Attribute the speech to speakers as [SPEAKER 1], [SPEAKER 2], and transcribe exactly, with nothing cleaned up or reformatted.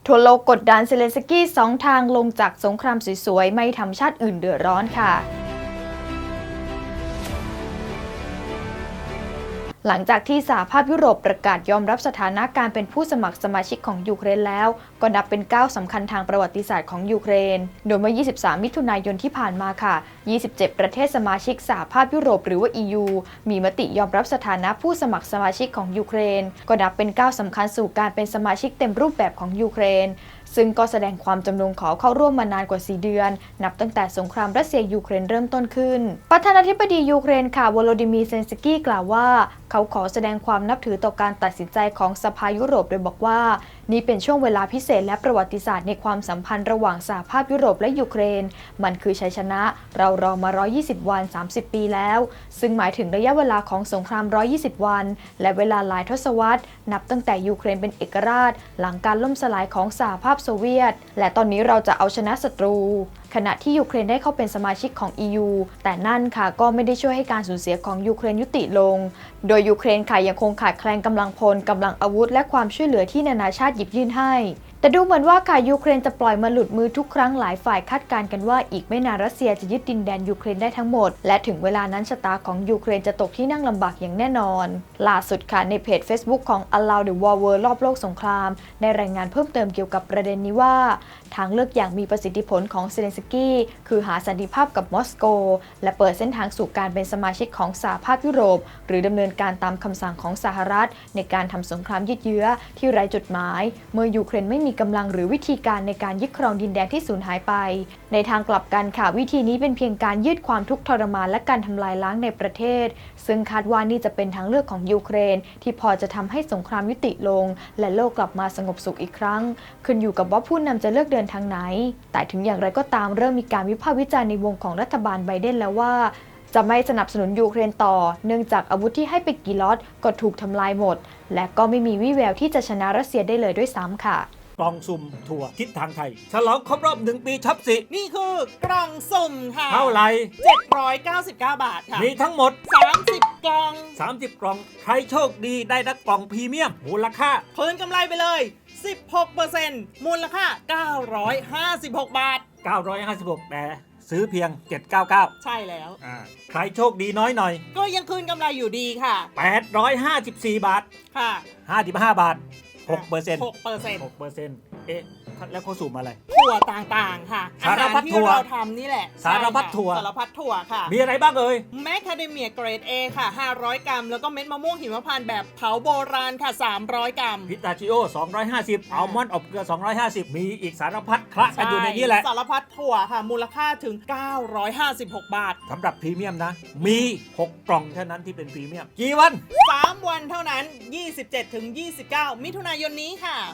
[SPEAKER 1] ทั่วโลกกดดันเซเลนสกี้สองทางลงจากสงครามสวยๆไม่ทำชาติอื่นเดือดร้อนค่ะหลังจากที่สหภาพยุโรปประกาศยอมรับสถานะการเป็นผู้สมัครสมาชิกของยูเครนแล้วก็นับเป็นก้าวสำคัญทางประวัติศาสตร์ของยูเครนโดยเมื่อ ยี่สิบสาม มิถุนายนที่ผ่านมาค่ะ ยี่สิบเจ็ด ประเทศสมาชิกสหภาพยุโรปหรือว่า อี ยู มีมติยอมรับสถานะผู้สมัครสมาชิกของยูเครนก็นับเป็นก้าวสำคัญสู่การเป็นสมาชิกเต็มรูปแบบของยูเครนซึ่งก็แสดงความจำนงขอเข้าร่วมมานานกว่า สี่ เดือนนับตั้งแต่สงครามรัสเซียยูเครนเริ่มต้นขึ้นประธานาธิบดียูเครนค่ะโวโลดิมีร์ เซเลนสกี้กล่าวว่าเขาขอแสดงความนับถือต่อการตัดสินใจของสภายุโรปโดยบอกว่านี่เป็นช่วงเวลาพิเศษและประวัติศาสตร์ในความสัมพันธ์ระหว่างสหภาพยุโรปและยูเครนมันคือชัยชนะเรารอมา หนึ่งร้อยยี่สิบ วัน สามสิบ ปีแล้วซึ่งหมายถึงระยะเวลาของสงคราม หนึ่งร้อยยี่สิบ วันและเวลาหลายทศวรรษนับตั้งแต่ยูเครนเป็นเอกราชหลังการล่มสลายของสหภาพโซเวียตและตอนนี้เราจะเอาชนะศัตรูขณะที่ยูเครนได้เข้าเป็นสมาชิกของ อี ยู แต่นั่นค่ะก็ไม่ได้ช่วยให้การสูญเสียของยูเครนยุติลงโดยยูเครนค่ะยังคงขาดแคลนกำลังพลกำลังอาวุธและความช่วยเหลือที่นานาชาติหยิบยื่นให้แต่ดูเหมือนว่าค่ะยูเครนจะปล่อยมาหลุดมือทุกครั้งหลายฝ่ายคาดการณ์กันว่าอีกไม่นานรัสเซียจะยึดดินแดนยูเครนได้ทั้งหมดและถึงเวลานั้นชะตาของยูเครนจะตกที่นั่งลำบากอย่างแน่นอนล่าสุดค่ะในเพจ Facebook ของ Allow the War World รอบโลกสงครามได้รายงานเพิ่มเติมเกี่ยวกับประเด็นนี้ว่าทางเลือกอย่างมีประสิทธิผลของเซเลนสกี้คือหาสันติภาพกับมอสโกและเปิดเส้นทางสู่การเป็นสมาชิกของสหภาพยุโรปหรือดำเนินการตามคำสั่งของสหรัฐในการทำสงครามยืดเยื้อที่ไร้จุดหมายเมื่อยูเครนไม่มีกำลังหรือวิธีการในการยึดครองดินแดนที่สูญหายไปในทางกลับกันค่ะวิธีนี้เป็นเพียงการยืดความทุกข์ทรมานและการทำลายล้างในประเทศซึ่งคาดว่านี่จะเป็นทางเลือกของยูเครนที่พอจะทำให้สงครามยุติลงและโลกกลับมาสงบสุขอีกครั้งขึ้นอยู่กับว่าผู้นำจะเลือกเดินทางไหนแต่ถึงอย่างไรก็ตามเริ่มมีการวิพากษ์วิจารณ์ในวงของรัฐบาลไบเดนแล้วว่าจะไม่สนับสนุนยูเครนต่อเนื่องจากอาวุธที่ให้ไปกี่ล็อตก็ถูกทำลายหมดและก็ไม่มีวี่แววที่จะชนะรัสเซียได้เลยด้วยซ้ำค่ะ
[SPEAKER 2] กล่องสุ่มถั่วทิศทางไทยฉลองครบรอบหนึ่งปีช็อปสิ
[SPEAKER 3] นี่คือกล่องสุ่มค่ะ
[SPEAKER 2] เท่าไหร่
[SPEAKER 3] เจ็ดร้อยเก้าสิบเก้า บาทค่ะ
[SPEAKER 2] มีทั้งหมด
[SPEAKER 3] สามสิบกล่อง
[SPEAKER 2] สามสิบกล่องใครโชคดีได้รับกล่องพรีเมียมมูลค่า
[SPEAKER 3] เพิ่มกำไรไปเลย สิบหกเปอร์เซ็นต์ มูลค่าเก้าร้อยห้าสิบหก บาท
[SPEAKER 2] เก้าร้อยห้าสิบหกแต่ซื้อเพียงเจ็ดร้อยเก้าสิบเก้า
[SPEAKER 3] ใช่แล้ว
[SPEAKER 2] ใครโชคดีน้อยหน่อย
[SPEAKER 3] ก็ยังคืนกำไรอยู่ดีค่ะ
[SPEAKER 2] แปดร้อยห้าสิบสี่บาท
[SPEAKER 3] ค่ะ
[SPEAKER 2] ห้าสิบห้าบาทหกเปอร์เซ็นต์
[SPEAKER 3] หกเปอร์เซ็นต์
[SPEAKER 2] หกเปอร์เซ็นต์เอ๊ะแล้วเขาสุ่มอะไร
[SPEAKER 3] ถั่วต่างๆค่ะ
[SPEAKER 2] สารพัดถั่ว
[SPEAKER 3] ที่เราทำนี่แหละ
[SPEAKER 2] สารพัดถั่ว
[SPEAKER 3] สารพัดถั่วค่ะ
[SPEAKER 2] มีอะไรบ้างเอ่ย
[SPEAKER 3] แมคคาเดเมียเกรด A ค่ะห้าร้อยกรัมแล้วก็เม็ดมะม่วงหิมพานต์แบบเผาโบราณค่ะสามร้อยกรัม
[SPEAKER 2] พิตาชิโอสองร้อยห้าสิบอัลมอนด์อบเกลือสองร้อยห้าสิบมีอีกสารพัดคละกันอยู่ในนี้แหละ
[SPEAKER 3] สารพัดถั่วค่ะมูลค่าถึงเก้าร้อยห้าสิบหก บาท
[SPEAKER 2] สำหรับพรีเมียมนะมีหกกล่องเท่านั้นที่เป็นพรีเมียมกี่วัน
[SPEAKER 3] สามวันเท่านั้น ยี่สิบเจ็ดถึงยี่สิบเก้า มิถุนายนนี้ค่ะ